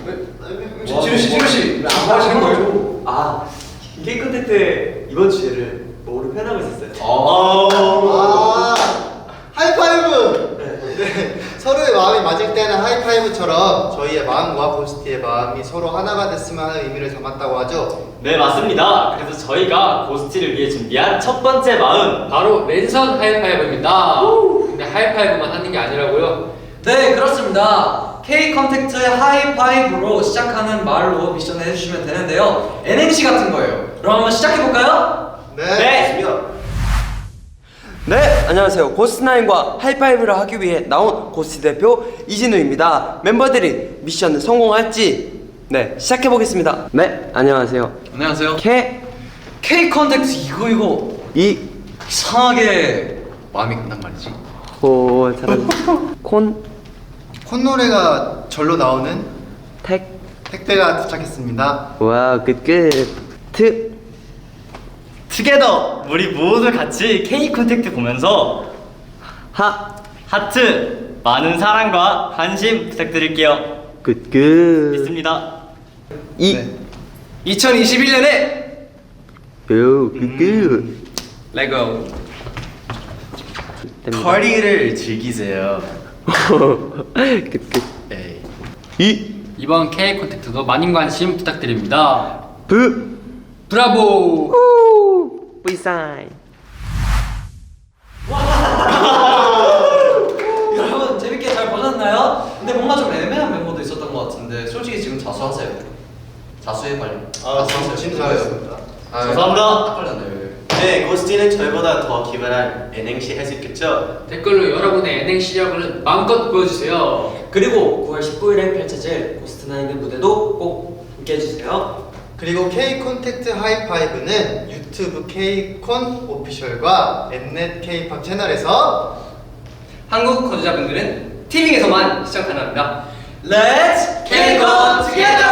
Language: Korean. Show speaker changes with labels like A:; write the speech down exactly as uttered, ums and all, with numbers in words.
A: 지루 씨, 지루 씨, 안 하시는 거예요?
B: 아, K 컨택트 이번 주제를 뭐로 표현하고 있었어요.
C: 아, 하이파이브! 네. 서로의 마음이 맞을 때는 하이파이브처럼 저희의 마음과 고스티의 마음이 서로 하나가 됐으면 하는 의미를 담았다고 하죠.
B: 네, 맞습니다. 그래서 저희가 고스티를 위해 준비한 첫 번째 마음,
A: 바로 랜선 하이파이브입니다. 근데 하이파이브만 하는 게 아니라고요?
D: 네, 그렇습니다. K 컨택트의 하이파이브로 시작하는 말로 미션을 해주시면 되는데요. 엔엠씨 같은 거예요. 그럼 한번 시작해볼까요?
C: 네.
B: 네.
E: 네, 안녕하세요. 고스트나인과 하이파이브를 하기 위해 나온 고스트 대표 이진우입니다. 멤버들이 미션을 성공할지 네, 시작해보겠습니다. 네, 안녕하세요.
D: 안녕하세요.
E: K
D: K 컨택트 이거 이거
E: 이
D: 이상하게 마음이 간단 말이지.
E: 호 잘한다. 콘
C: 콧노래가 절로 나오는
E: 택
C: 택배가 도착했습니다.
E: 와우 끝끝 트
B: 투게더 우리 모두 같이 K 컨택트 보면서
E: 하
B: 하트 많은 사랑과 관심 부탁드릴게요.
E: 끝끝
B: 믿습니다.
E: 이
C: 네.
A: 이천이십일 년에
E: 요 끝끝
D: 레고.
F: 파티를 즐기세요.
E: 끝끝
F: 에이.
E: 이
A: 이번 K 컨택트도 많은 관심 부탁드립니다.
E: 브
A: 브라보!
E: 우 뿌이사인
D: 여러분 재밌게 잘 보셨나요? 근데 뭔가 좀 애매한 멤버도 있었던 것 같은데 솔직히 지금 자수하세요. 자수해 빨리.
C: 아, 진짜, 진짜 잘했습니다.
B: 감사합니다.
D: 딱 걸렸네요.
B: 네, 고스티는 저희보다 더 기발한 엔행시 할 수 있겠죠?
A: 댓글로 여러분의 엔행 실력을 마음껏 보여주세요.
E: 그리고 구월 십구일에 펼쳐질 고스트나인의 무대도 꼭 함께 해주세요.
C: 그리고 K 콘택트 하이파이브는 유튜브 K콘 오피셜과 엠넷 K팝 채널에서
A: 한국 거주자분들은 티빙에서만 시청 가능합니다.
D: Let's
A: K-con together!